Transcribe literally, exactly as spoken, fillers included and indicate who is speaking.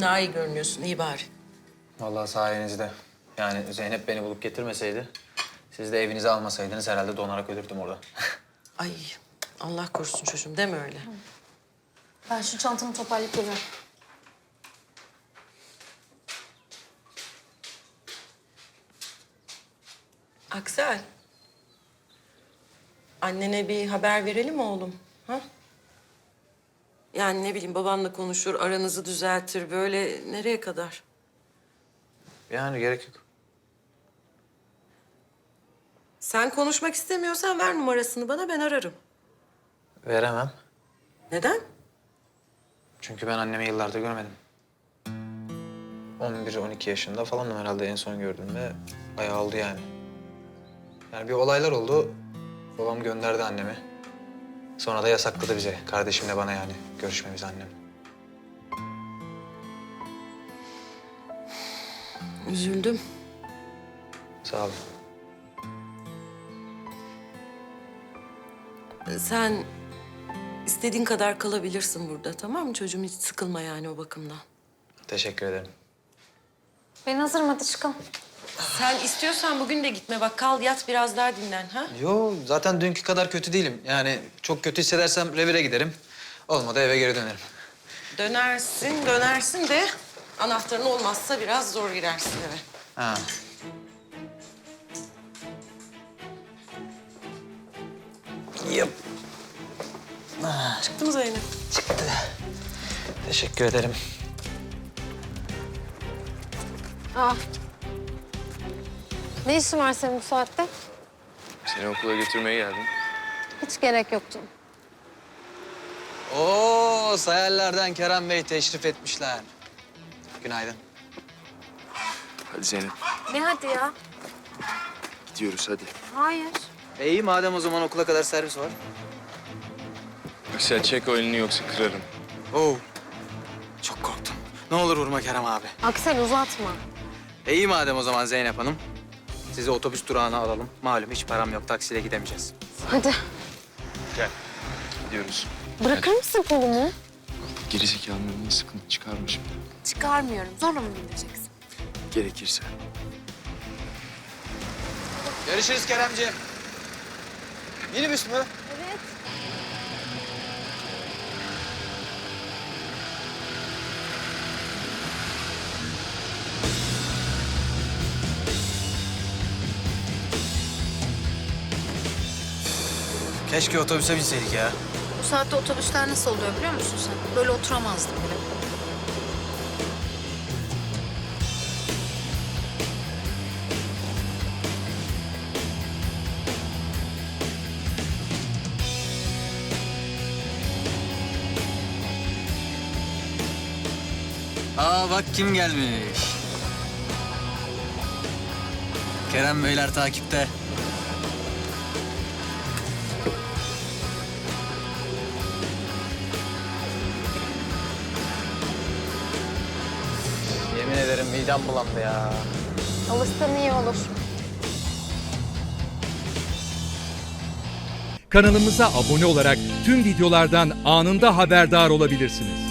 Speaker 1: daha iyi görünüyorsun, iyi bari.
Speaker 2: Vallahi sayenizde. Yani Zeynep beni bulup getirmeseydi, siz de evinize almasaydınız herhalde donarak ölürdüm orada.
Speaker 1: Ay Allah korusun çocuğum, deme öyle.
Speaker 3: Ben şu çantamı toparlayıp geliyorum.
Speaker 1: Aksel. Annene bir haber verelim mi oğlum? Ha? Yani ne bileyim babanla konuşur, aranızı düzeltir. Böyle nereye kadar?
Speaker 2: Yani gerek yok.
Speaker 1: Sen konuşmak istemiyorsan ver numarasını bana, ben ararım.
Speaker 2: Veremem.
Speaker 1: Neden?
Speaker 2: Çünkü ben annemi yıllardır görmedim. on bir on iki yaşında falanım herhalde en son gördüm ve bayağı oldu yani. Yani bir olaylar oldu. Babam gönderdi annemi. Sonra da yasakladı bize, kardeşimle bana yani görüşmemizi annem.
Speaker 1: Üzüldüm.
Speaker 2: Sağ ol.
Speaker 1: Sen istediğin kadar kalabilirsin burada, tamam mı çocuğum? Hiç sıkılma yani o bakımdan.
Speaker 2: Teşekkür ederim.
Speaker 3: Ben hazırım, hadi çıkalım.
Speaker 1: Sen istiyorsan bugün de gitme. Bak kal, yat biraz daha dinlen ha.
Speaker 2: Yo, zaten dünkü kadar kötü değilim. Yani çok kötü hissedersem revire giderim. Olmadı eve geri dönerim.
Speaker 1: Dönersin, dönersin de anahtarın olmazsa biraz zor girersin eve.
Speaker 2: Ha. Yap.
Speaker 1: Çıktı mı Zeynep?
Speaker 2: Çıktı. Teşekkür ederim.
Speaker 3: Aa. Ne işin var senin bu saatte?
Speaker 4: Seni okula götürmeye geldim.
Speaker 3: Hiç gerek yoktu.
Speaker 2: Oo, Sayarlar'dan Kerem Bey teşrif etmişler. Günaydın.
Speaker 4: Hadi Zeynep,
Speaker 3: Ne hadi ya?
Speaker 4: gidiyoruz hadi.
Speaker 3: Hayır.
Speaker 2: E iyi madem o zaman okula kadar servis var.
Speaker 4: Aksel çek o elini yoksa kırarım.
Speaker 2: Oo. Çok korktum. Ne olur vurma Kerem abi.
Speaker 3: Aksel uzatma.
Speaker 2: E iyi madem o zaman Zeynep Hanım. Sizi otobüs durağına alalım. Malum hiç param yok, taksiyle gidemeyeceğiz.
Speaker 3: Hadi.
Speaker 4: Gel. Gidiyoruz.
Speaker 3: Bırakır mısın kolumu?
Speaker 4: Gerizekalının önüne sıkıntı çıkarma şimdi.
Speaker 3: Çıkarmıyorum. Zorla mı bindireceksin?
Speaker 4: Gerekirse.
Speaker 2: Görüşürüz Keremciğim. Minibüs mü?
Speaker 3: Evet.
Speaker 2: Keşke otobüse binseydik ya.
Speaker 5: Bu saatte otobüsler nasıl oluyor biliyor musun sen? Böyle oturamazdım bile.
Speaker 2: Aa bak kim gelmiş. Kerem Beyler takipte. Yemin ederim midem bulandı ya.
Speaker 3: Alışsan iyi olur.
Speaker 6: Kanalımıza abone olarak tüm videolardan anında haberdar olabilirsiniz.